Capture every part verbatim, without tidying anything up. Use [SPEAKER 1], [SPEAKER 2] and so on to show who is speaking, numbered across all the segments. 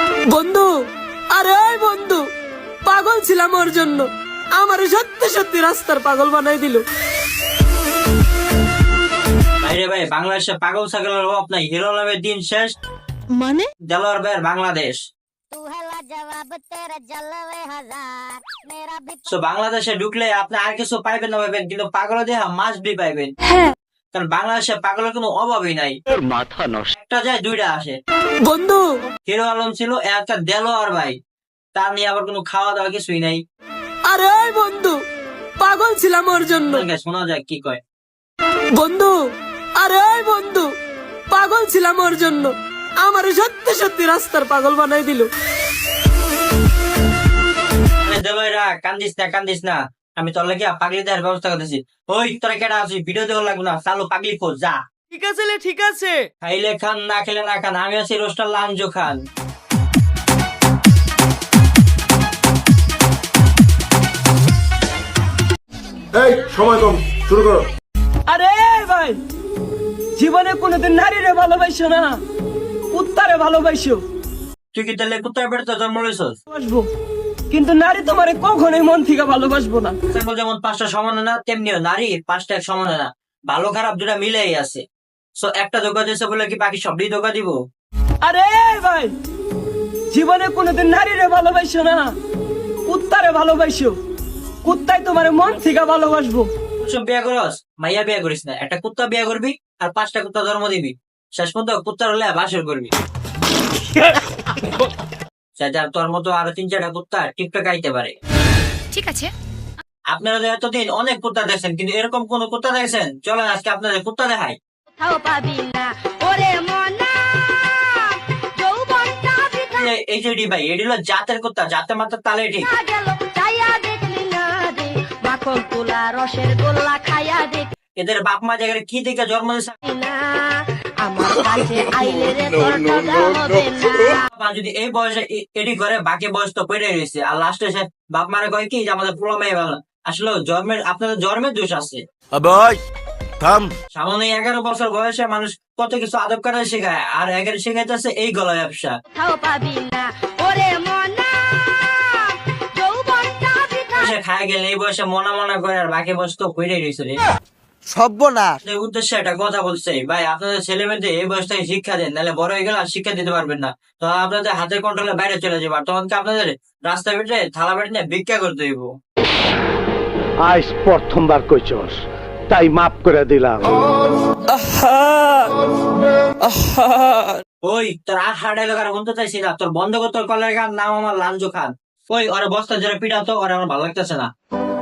[SPEAKER 1] বন্ধু, আরে ওই বন্ধু, পাগল ছিলাম ওর জন্য, আমার সত্যি সত্যি রাস্তার পাগল বানাই দিল।
[SPEAKER 2] ভাইরে ভাই, বাংলাদেশে পাগল ছাগলের অভাব নাই। হিরো আলমের দিন শেষ,
[SPEAKER 1] মানে
[SPEAKER 2] দেলোয়ার ভাইয়ের বাংলাদেশ। So, বাংলাদেশে ঢুকলে আপনি আর কিছু পাইবেন না পাইবেন, কিন্তু পাগল দেহা মাস্ট বি পাইবেন। কারণ বাংলাদেশে পাগলের কোনো অভাবই নাই।
[SPEAKER 3] মাথা নষ্ট।
[SPEAKER 2] একটা যায় দুইটা আসে।
[SPEAKER 1] বন্ধু,
[SPEAKER 2] হিরো আলম ছিল, একটা দেলোয়ার ভাই, তার নিয়ে আবার কোনো খাওয়া দাওয়া কিছুই নাই।
[SPEAKER 1] আরে ওই বন্ধু, পাগল ছিলাম ওর জন্য।
[SPEAKER 2] শোনা যায় কি কয়।
[SPEAKER 1] বন্ধু, আরে ওই বন্ধু, পাগল ছিলাম ওর জন্য, আমার সত্যি সত্যি রাস্তার পাগল বানাই দিল।
[SPEAKER 2] দেলোয়ারা কান্দিস না কান্দিস না, আমি তোর লাগে পাগলি দেওয়ার ব্যবস্থা করতেছি। ওই তোরা কেডা আছিস, ভিডিও দেওয়া লাগবে না, চালু পাগলি খোঁজ যা।
[SPEAKER 1] ঠিক আছে লে, ঠিক আছে।
[SPEAKER 2] খাইলে খান, না খেলে না খান, আমি আছি রোস্টার লাঞ্জো খান।
[SPEAKER 4] এই সময় কম, শুরু করো।
[SPEAKER 1] আরে ভাই, জীবনে কোনোদিন নারীরে ভালোবাসো না, কুত্তারে ভালোবাসো।
[SPEAKER 2] তুই কি তাহলে কুত্তার পেটে জন্ম লইছস?
[SPEAKER 1] ভালোবাসবো, কিন্তু নারী তোমারে কখনোই মন থেকে ভালোবাসবো না।
[SPEAKER 2] ছাগল যেমন পাঁচটা সমান না, তেমনিও নারী পাঁচটা এক সমান না, ভালো খারাপ দুটা মিলেই আছে। সো একটা ধোকা দিয়েছে বলে কি বাকি সবই ধোকা দিব?
[SPEAKER 1] আরে ভাই, জীবনে কোনোদিন নারীরে ভালোবাসো না, কুত্তারে ভালোবাসো। কুত্তাই তোমার মন থেকে ভালোবাসবো।
[SPEAKER 2] সব বিয়া করস, মাইয়া বিয়া করিস না, একটা কুত্তা বিয়া করবি আর পাঁচটা কুত্তা জন্ম দিবি, শেষ পর্যন্ত কুত্তার হলে বাসর করবি। যার তোর মতো আরো তিন চারটা কুত্তা টিকটক আইতে পারে।
[SPEAKER 5] ঠিক আছে,
[SPEAKER 2] আপনারা যে এতদিন অনেক কুত্তা দেখছেন, কিন্তু এরকম কোন কুত্তা দেখছেন? চলেন আজকে আপনাদের কুত্তা দেখাই। এই- এই যে এডি ভাই, এডি হলো জাতের কুত্তা, জাতে মাত্র তালে ঠিক। এদের বাপ মা জায়গায় কি দেখে জন্ম দিয়েছে, বাবা যদি এই বয়সে এ- এডি করে, বাকি বয়স তো পেরে রয়েছে। আর লাস্টে এসে বাপ মারা কয় কি যে আমাদের পোলা মেয়ে ভালো। আসলে জন্মের, আপনাদের জন্মের দোষ আছে।
[SPEAKER 4] আবাই থাম।
[SPEAKER 2] সামান্য এগারো বছর বয়সে মানুষ কত কিছু আদব কাটা শেখায়, আর এগারো শেখাইতেছে এই গলা ব্যবসা। বয়সে খায় গেলে এই বয়সে মনা মনা করে, আর বাকি বয়স তো পেরে রয়েছে রে।
[SPEAKER 6] সর্বনাশ।
[SPEAKER 2] আপনাদের উদ্দেশ্যে একটা কথা বলছে ভাই, আপনাদের ছেলে মেয়েদের এই বয়স থেকে শিক্ষা দেন, নাহলে বড় হয়ে গেলে আর শিক্ষা দিতে পারবেন না। তখন আপনাদের হাতের কন্ট্রোলের বাইরে চলে যাবে, আর তখন কি আপনাদের রাস্তা বেটে থালা বেটে নিয়ে ভিক্ষা করতে হইব।
[SPEAKER 3] আজ প্রথমবার কইছস, তাই মাফ করে দিলাম।
[SPEAKER 2] ওই তোর আর হার্ড এলাকার শুনতে চাইছি না, তোর বন্ধ কর তোর কলের গান, নাম আমার লাঞ্জু খান। ওই ওরা বস্তা যারা পিটাতো, ওরা আমার ভালো লাগতেছে না।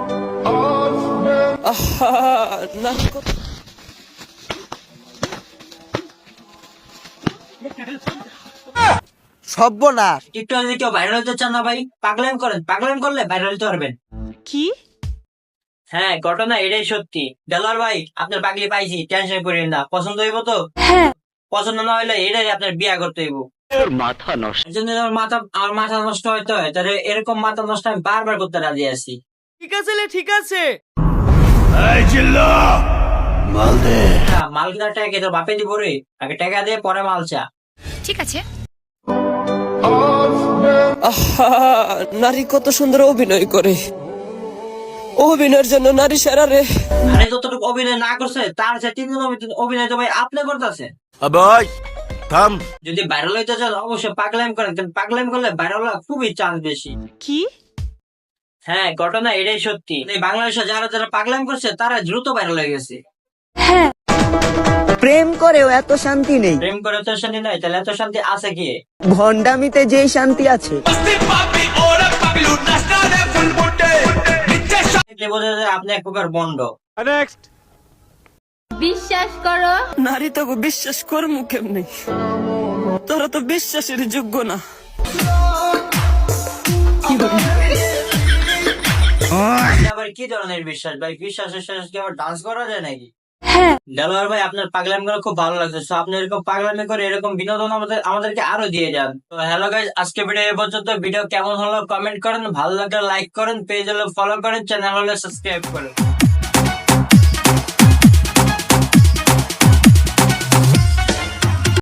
[SPEAKER 6] সর্বনাশ।
[SPEAKER 2] টিকটক যদি কেউ ভাইরাল হতে চান না ভাই, পাগলাম করেন, পাগলাম করলে ভাইরাল হতে পারবেন।
[SPEAKER 1] কি?
[SPEAKER 2] হ্যাঁ, ঘটনা এটাই সত্যি। দেলোয়ার ভাই, আপনার পাগলি পাইছি, টেনশন করেন না। পছন্দ হইব তো? পছন্দ না হইলে এটাই আপনার বিয়া করতে হইব।
[SPEAKER 3] মাথা নষ্ট।
[SPEAKER 2] এই জন্য আমার মাথা আমার মাথা নষ্ট হইতে হয়, তাহলে এরকম মাথা নষ্ট আমি বারবার করতে রাজি আছি।
[SPEAKER 1] ঠিক আছে লে, ঠিক আছে।
[SPEAKER 2] হ্যাঁ, মাল কিনা টাকা তোর বাপে দিব রে, আগে টাকা দিয়ে পরে মাল চা।
[SPEAKER 5] ঠিক আছে।
[SPEAKER 1] আহা, নারী কত সুন্দর অভিনয় করে, অভিনয়ের জন্য নারী সেরা রে।
[SPEAKER 2] আরে যতটুকু অভিনয় না করছে, তার সে তিন গুণ অভিনয় তো ভাই আপনি করতেছেন।
[SPEAKER 4] আবাই থাম।
[SPEAKER 2] যদি ভাইরাল হইতে চান অবশ্যই পাগলাম করেন, কিন্তু পাগলাম করলে ভাইরাল হওয়ার খুবই চান্স বেশি।
[SPEAKER 1] কি?
[SPEAKER 2] হ্যাঁ, ঘটনা এটাই সত্যি। এই বাংলাদেশে যারা যারা পাগলাম করছে, তারা দ্রুত ভাইরাল হয়ে গেছে।
[SPEAKER 6] প্রেম করেও এত শান্তি নেই,
[SPEAKER 2] প্রেম করে তো শান্তি নাই, তাহলে এত শান্তি আছে কি?
[SPEAKER 6] ভণ্ডামিতে যেই শান্তি আছে।
[SPEAKER 2] দেখলে বোঝা যায় আপনি এক প্রকার বন্ড।
[SPEAKER 5] বিশ্বাস করো,
[SPEAKER 1] নারী তো বিশ্বাস করমু কেমনি, তোরা তো বিশ্বাসের যোগ্য না।
[SPEAKER 2] আবার কি ধরনের বিশ্বাস ভাই? বিশ্বাস বিশ্বাস কি আবার ডান্স করা যায় নাকি? দেলোয়ার ভাই, আপনার পাগলামি করে খুব ভালো লাগছে। So, আপনি এরকম পাগলামি করে এরকম বিনোদন আমাদের আমাদেরকে আরো দিয়ে যান। তো হ্যালো গাইস, আজকে ভিডিও এই পর্যন্ত। ভিডিও কেমন হলো কমেন্ট করেন, ভালো লাগলে লাইক করেন, পেজ হলে ফলো করেন, চ্যানেল হলে সাবস্ক্রাইব করেন।